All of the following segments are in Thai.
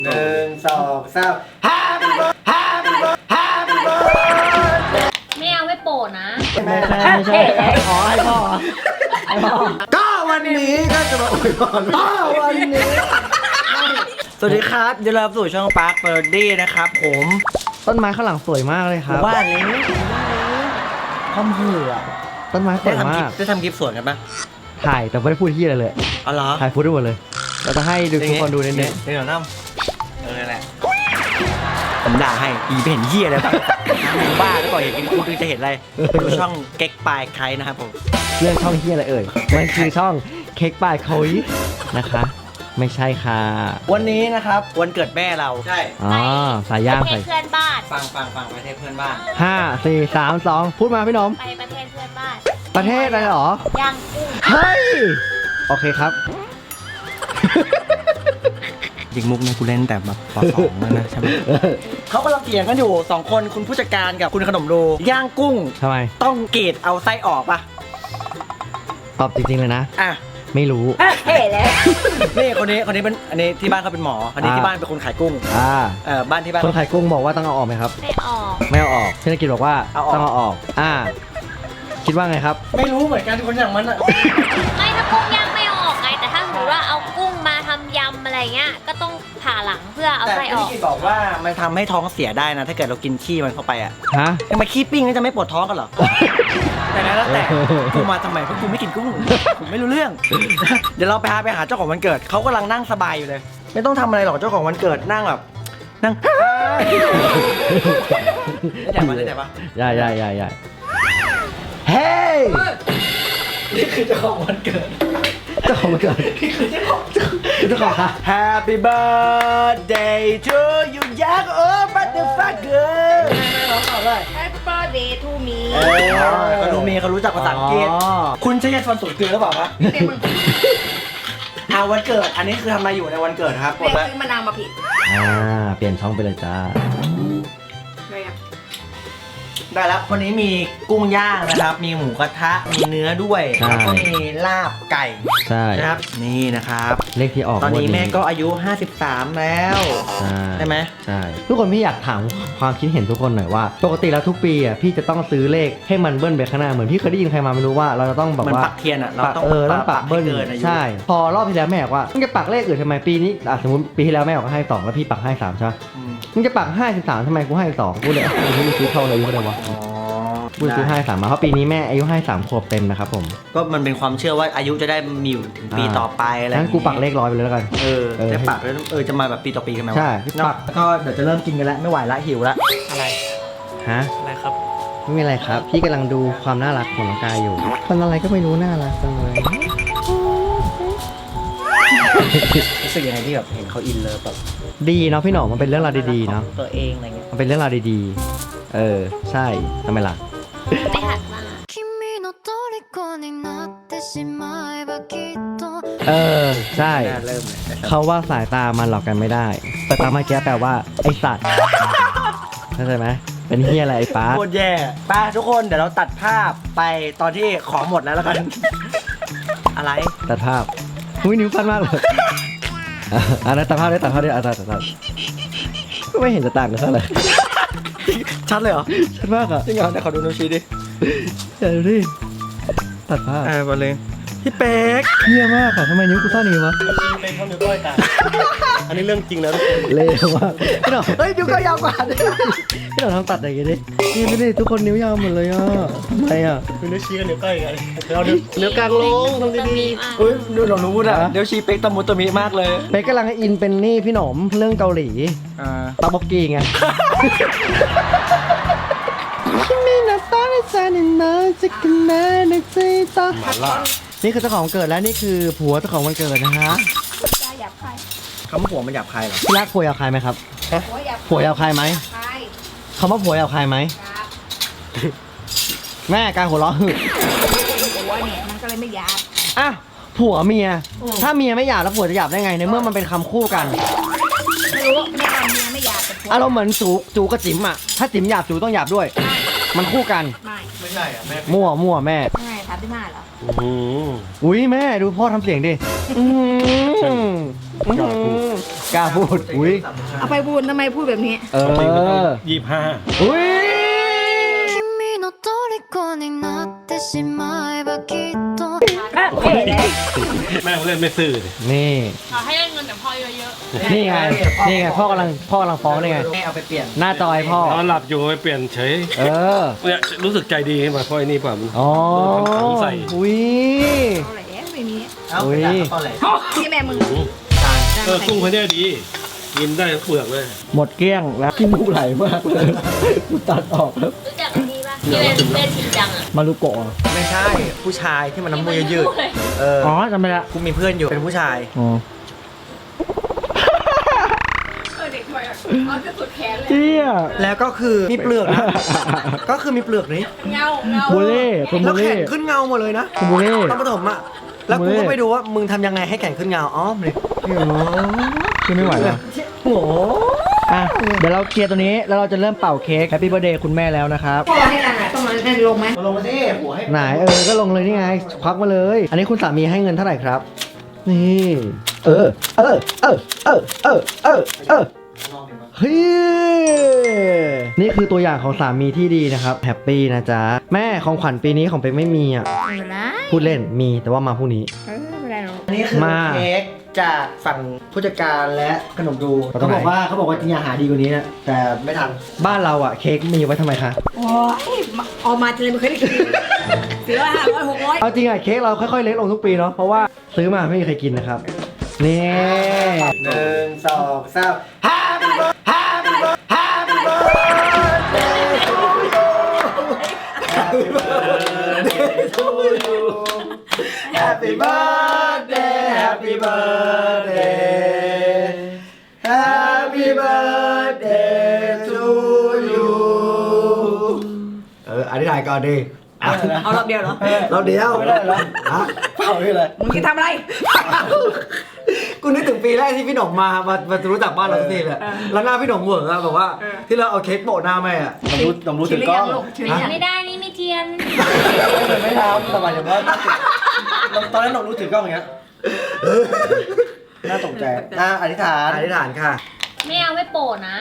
1 2 3 Happy birthday ไม่เอาไม่โปรดนะไม่ใช่ขอให้พ่อก็วันนี้ก็จะมาอวยพรวันนี้สวัสดีครับยินดีต้อนรับสู่ช่องปาร์คเบอร์ดี้นะครับผมต้นไม้ข้างหลังสวยมากเลยครับว่านี้คอมเหือต้นไม้สวยมากได้ทำคลิปสวนกันปะถ่ายแต่ไม่ได้พูดที่อะไรเลยอ๋อเหรอถ่ายพูดได้หมดเลยเราจะให้ดูทุกคนดูนิดนึงเดี๋ยวน้ำแหละผมด่าให้อีไปเห็นเหี้ยอะไรบ้างบ้าแล้วก่อนเห็นคุณจะเห็นอะไรดูช่องเก๊กปลายไคนะครับผมเรื่องช่องเหี้ยอะไรเอ่ยมันคือช่องเค้กปลายไคนะคะไม่ใช่ค่ะวันนี้นะครับวันเกิดแม่เราใช่สายย่างประเทศเพื่อนบ้านฟังประเทศเพื่อนบ้าน5 4 3 2พูดมาพี่น้องไปประเทศเพื่อนบ้านประเทศอะไรหรอย่างกุ้งเฮ้ยโอเคครับยิงมุกเนี่ยกูเล่นแต่แบบป .2 แล้วนะใช่ไหมเขากำลังเถียงกันอยู่2คนคุณผู้จัดการกับคุณขนมโดย่างกุ้งทำไมต้องเกรดเอาไส้ออกปะตอบจริงๆเลยนะไม่รู้เฮ้เลยนี่คนนี้เป็นอันนี้ที่บ้านเขาเป็นหมออันนี้ที่บ้านเป็นคนขายกุ้งบ้านที่บ้านคนขายกุ้งบอกว่าต้องเอาออกไหมครับไม่ออกพี่นักกิจบอกว่าต้องเอาออกคิดว่าไงครับไม่รู้เหมือนกันคนอย่างมันอะไม่ถ้ากุ้งย่างไม่ออกไงแต่ถ้าสมมติว่าเอากุ้งมาทำยำอะไรเงี้ยก็ต้องผ่าหลังเพื่อเอาไส้ออกแต่พี่นักกิจบอกว่ามันทำให้ท้องเสียได้นะถ้าเกิดเรากินขี้มันเข้าไปอะทำไมขี้ปิ้งจะไม่ปวดท้องกันเหรอแต่แล้วแต่กูมาทำไมเพราะกูไม่กินกุ้งผมไม่รู้เรื่องเดี๋ยวเราไปหาเจ้าของวันเกิดเขากำลังนั่งสบายอยู่เลยไม่ต้องทำอะไรหรอกเจ้าของวันเกิดนั่งแบบนั่งได้แต่ปะใหญ่เฮ้ยนี่คือเจ้าของวันเกิดนี่คือเจ้าของค่ะ Happy birthday to you young old motherfucker ร้องต่อเลย Happy birthday to me เขารู้จักภาษาอังกฤษคุณใช้ยาฟันสูตรเกลือหรือเปล่าคะวันเกิดอันนี้คือทำอะไรอยู่ในวันเกิดครับเปลี่ยนซื้อมะนาวมาผิดเปลี่ยนช่องไปเลยจ้าได้แล้ววันนี้มีกุ้งย่างนะครับมีหมูกระทะมีเนื้อด้วยแล้วก็มีลาบไก่ใช่นะครับนี่นะครับเลขที่ออกตอนนี้แม่ก็อายุ53แล้วใช่ไหมใช่ทุกคนพี่อยากถามความคิดเห็นทุกคนหน่อยว่าปกติแล้วทุกปีอ่ะพี่จะต้องซื้อเลขให้มันเบิ้ลไปข้างหน้าเหมือนพี่เคยได้ยินใครมาไม่รู้ว่าเราจะต้องแบบว่าปักเทียนอ่ะเราต้องปักเบิ้ลใช่พอรอบที่แล้วแม่บอกว่ามึงจะปักเลขอื่นทำไมปีนี้สมมติปีที่แล้วแม่บอกให้2แล้วพี่ปักให้3ใช่ไหมมึงจะปัก53ทำไมกูให้2กูเลยมึงซื้อเท่าไหร่ก็ได้วะพูดซื้อให้3มาเพราะปีนี้แม่อายุให้3 ขวบเต็มนะครับผมก็มันเป็นความเชื่อว่าอายุจะได้มีอยู่ถึงปีต่อไปอะไรงั้นกูปักเลข100ไปเลยแล้วกันจะปักแล้วจะมาแบบปีต่อปีกันไหมใช่ปักก็เดี๋ยวจะเริ่มกินกันแล้วไม่ไหวละหิวละอะไรอะไรครับไม่มีอะไรครับพี่กำลังดูความน่ารักของน้องกายอยู่คนอะไรก็ไม่รู้น่ารักจังเลยรู้สึกยังไงที่แบบเห็นเขาอินเลิฟแบบดีเนาะพี่หน่องมันเป็นเรื่องราวดีๆเนาะตัวเองอะไรเงี้ยมันเป็นเรื่องราวดีๆใช่ทำไมล่ะไม่หัดมาใช่เขาว่าสายตามันหลอกกันไม่ได้แต่ตาเมื่อกี้แปลว่าไอสัตว์เข้าใจไหมเป็นเฮียอะไรไอ้ป้าโคตรแย่ป้าทุกคนเดี๋ยวเราตัดภาพไปตอนที่ของหมดแล้วกันอะไรตัดภาพนิ้วฟันมากเลยตัดภาพได้ตัดก็ไม่เห็นจะต่างกันเท่าไหร่ชัดเลยเหรอชัดมากอ่ะจริงเหรอเดี๋ยวขอดูนิ้วชี้ดิเดี๋ยวดิตัดภาพไปเลยพี่เป๊กเฮี้ยมากอ่ะทำไมนิ้วกูสั้นอย่างนี้วะเป๊กเขานิ้วก้อยกันอันนี้เรื่องจริงแล้วเละมากพี่หน่อเฮ้ยนิ้วก้อยยาวกว่าพี่หน่อทำตัดอะไรกันดินี่ไม่ได้ทุกคนนิ้วยาวหมดเลยอ่ะทำไมอ่ะนิ้วชี้กับนิ้วก้อยกันเรานิ้วกลางลงตรงดีๆเฮ้ยดูหนูรู้นะนิ้วชี้เป๊กตะมุตะมิมากเลยเป๊กกำลังอินเป็นนี่พี่หนอมเรื่องเกาหลีตาบกกีไงนี่คือเจ้าของวันเกิดและนี่คือผัวเจ้าของวันเกิดนะฮะหยาบคายคำว่าผัวมันหยาบคายเหรอพี่รักผัวหยาบคายไหมครับผัวหยาบคายไหมคำว่าผัวหยาบคายไหมแม่การหัวเราะหึผัวเนี่ยมันก็เลยไม่หยาบผัวเมียถ้าเมียไม่หยาบแล้วผัวจะหยาบได้ไงในเมื่อมันเป็นคำคู่กันไม่รู้แม่เมียไม่หยาบอารมณ์เหมือนจูกับจิ๋มอ่ะถ้าจิ๋มหยาบจูต้องหยาบด้วยมันคู่กันไม่ใช่อ่ะแม่มั่วแม่ท 35เหรออุ้ยแม่ดูพ่อทำเสียงดิกล้าพูดอุ้ยเอาไปบูนทำไมพูดแบบนี้ 25 อุ้ย君の虜になってしまえばきっとแม่เล่นไม่ซื่อเลยนี่ขอให้ได้เงินจากพ่อเยอะนี่ไงนี่ไงพ่อกำลังฟ้องนี่ไงแม่เอาไปเปลี่ยนหน้าจอยพ่อนอนหลับอยู่ไปเปลี่ยนเฉยเออเนี่ยรู้สึกใจดีขึ้นมาเพราะไอ้นี่ป่ะมันอ๋อถังใส่อุ้ยเอาแหละไม่มีเอาอุ๊ไปยด่าเขาตอนไหนพี่แม่มึงกุ้งเขาเนี่ยดีกินได้ทั้งเปลือกเลยหมดเกลี้ยงแล้วขี้มูกไหลมากเลยกูตัดออกแล้วรู้จักอันนี้ปะที่เป็นจริงจังอ่ะมารุโกะไม่ใช่ผู้ชายที่มันน้ำมือยืดๆเอออ๋อจำไม่ละกูมีเพื่อนอยู่เป็นผู้ชายอ๋อเด็กด้วยเขาจะสุดแขนเลยเจี๊ยแล้วก็คือมีเปลือกนะ ก็คือมีเปลือกนี้เงาบูเล่คุณแล้บูวแขเล่นขึ้นเงาหมดเลยนะคุณบูเล่ตอนประถมอ่ะแล้วกูก็ไปดูว่ามึงทำยังไงให้แขนขึ้นเงาอ๋อเลยคือไม่ไหวแล้วโอ้โหอ่ะเดี๋ยวเราเคลียร์ตัวนี้แล้วเราจะเริ่มเป่าเค้กแฮปปี้เบ t ร์ a เดย์คุณแม่แล้วนะครับพ่อให้นางอ่ะต้องมาได้ลงไหมมาลงมาสิหัวให้ไหนก็ลงเลยนี่ไงควักมาเลย อันนี้คุณสามีให้เงินเท่าไหร่ครับ นี่เออเฮ้ยนี่คือตัวอย่างของสามีที่ดีนะครับแฮปปี้นะจ๊ะแม่ของขวัญปีนี้ของเป็กไม่มีอ่ะไม่เป็นไรพูดเล่นมีแต่ว่ามาพรุ่งนี้ไม่เป็นไรหรอกอันนี้คือมาเค้กจากฝั่งผู้จัดการและขนมดูตรเขางไหนบอกว่าจริงๆหาดีกว่านี้นะแต่ไม่ทันบ้านเราอ่ะเค้กมีไว้ทำไมคะโอ้ยเอามาทีไรไม่เคยได้กิน400 500 600 เอาจริงอ่ะเค้กเราค่อยๆเล็กลงทุกปีเนาะเพราะว่าซื้อมาไม่มีใครกินนะครับนี่ 1 2 3 Happy birthday Happy birthday to you Happy birthday Happy birthday Happy birthday to you อธิษฐานก่อนดิเอารอบเดียวเหรอเราเดียวไม่ได้หรอเปล่าไม่เลยมึงจะทำอะไรกูนึกถึงปีแรกที่พี่หนมมารู้จักบ้านเราสักทีเลยแล้วหน้าพี่หนมเหวออะแบบว่าที่เราเอาเค้กโปะหน้าแม่อะหนมรู้ถึงกล้องชิลลี่ยังไม่ได้นี่ไม่เทียนไม่ทำแต่หมายถึงว่าตอนนั้นหนมรู้ถึงกล้องอย่างเงี้ยน่าตกใจอธิษฐานค่ะไม่เอาไม่โปะนะ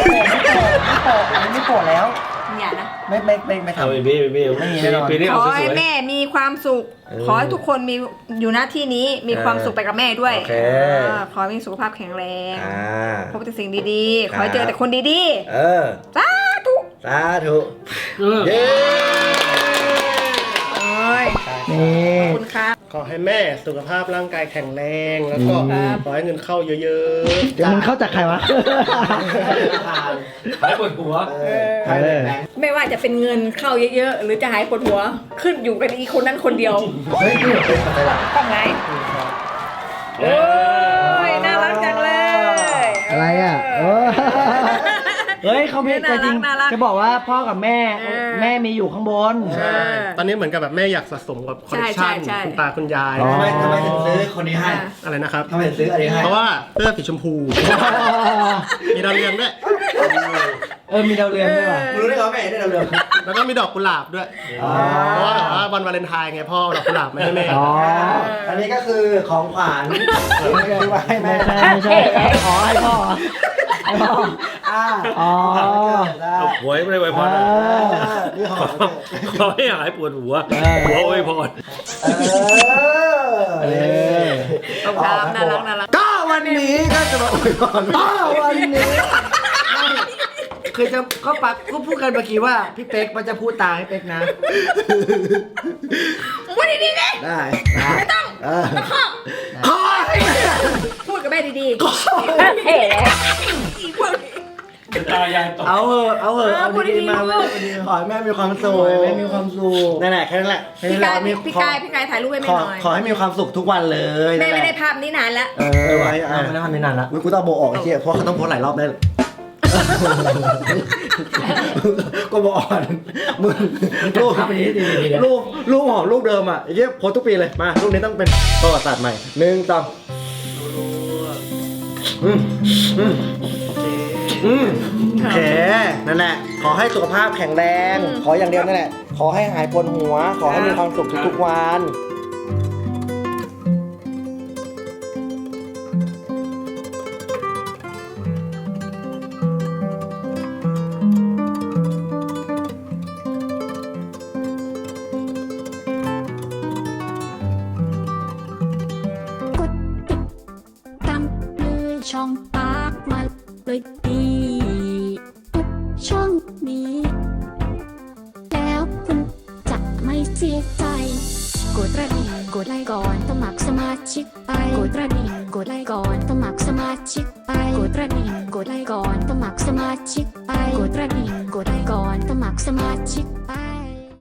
ไม่โปะแล้วอย่านะไม่ทำเอาเบี้ปีนี้ขเอาอสให้วยแม่มีความสุข ขอให้ทุกคนมีอยู่หน้าที่นี้มีความสุขไปกับแม่ด้วยโอเคขอให้มีสุขภาพแข็งแรง พบแต่สิ่งดีๆครับขอให้เจอแต่คนดีๆๆ สาธุสาธุเย้โอ้ยนี่ขอบคุณครับขอให้แม่สุขภาพร่างกายแข็งแรง แล้วก็ขอให้เงินเข้าเยอะเดี๋ยวมึงเข้าจากใครวะหายปวดหัวไม่ว่าจะเป็นเงินเข้าเยอะๆ หรือจะหายปวดหัว ขึ้นอยู่กับอีคนนั้นคนเดียวเฮ้ยนี่เป็นอะไรล่ะต้องไงโอ้ย น่ารักจังเลยอะไรอ่ะเฮ้ยเขามีแต่จริงจะบอกว่าพ่อกับแม่มีอยู่ข้างบนๆ ตอนนี้เหมือนกับแบบแม่อยากสะสมกับคอลเลคชันคุณตาคุณยายอ๋อทำไมถึงซื้อคนนี้ให้อะไรนะครับทำไมถึงซื้ออันนี้ให้เพราะว่าเสื้อสีชมพู มีดาวเรืองด้วยมีดาวเรืองด้วยว่ะรู้ได้เหรอแม่ได้เราเรื่องแล้วก็มีดอกกุหลาบด้วย เพราะว่าแบบว่าวันวาเลนไทน์ไงพ่อเอาดอกกุหลาบมาให้แม่อ๋ออันนี้ก็คือของขวัญที่ว่าให้แม่ไม่ใช่อ๋อให้พ่อให้พ่ออ๋อเอาหวยไม่ได้ไว้พรนี่ของขอให้หายปวดหัวหัวไว้พรต้องทำน่ารักก็วันนี้ก็จะมาอวยพรก็วันนี้คือจะก็พูดกันเมื่อกี้ว่าพี่เป๊กมันจะพูดตามให้เป๊กนะพูดดีๆเลยได้ไม่ต้องขอให้พูดกับแม่ดีๆเฮ้ยแล้วอีพวกนี้ตายายตกเอาเหอะเอาพูดดีๆมาพูดขอให้แม่มีความสุขแม่มีความสุขนั่นแหละแค่นั้นแหละพี่กายถ่ายรูปให้แม่หน่อยขอให้มีความสุขทุกวันเลยแม่ไม่ได้ภาพนี้นานแล้วไว้ไม่ได้ทำไม่นานละกูต้องโบออกไอ้เจี๊ยเพราะเขาต้องโพสหลายรอบได้ก็บอกอ่อนมึงรูปหอมรูปเดิมอ่ะไอ้เจี๊ยโพสทุกปีเลยมารูปนี้ต้องเป็นประวัติศาสตร์ใหม่1 2โอเคนั่นแหละขอให้สุขภาพแข็งแรงขออย่างเดียวนั่นแหละขขอให้หายปวดหัว ขอให้มีความสุขทุกๆวันกดติดตามเลยช่องปากมาเลยดีทุกช่องนี้ แล้วคุณจะไม่เสียใจ กดกระดิ่งกดไลค์ก่อนสมัครสมาชิกไปกดกระดิ่ง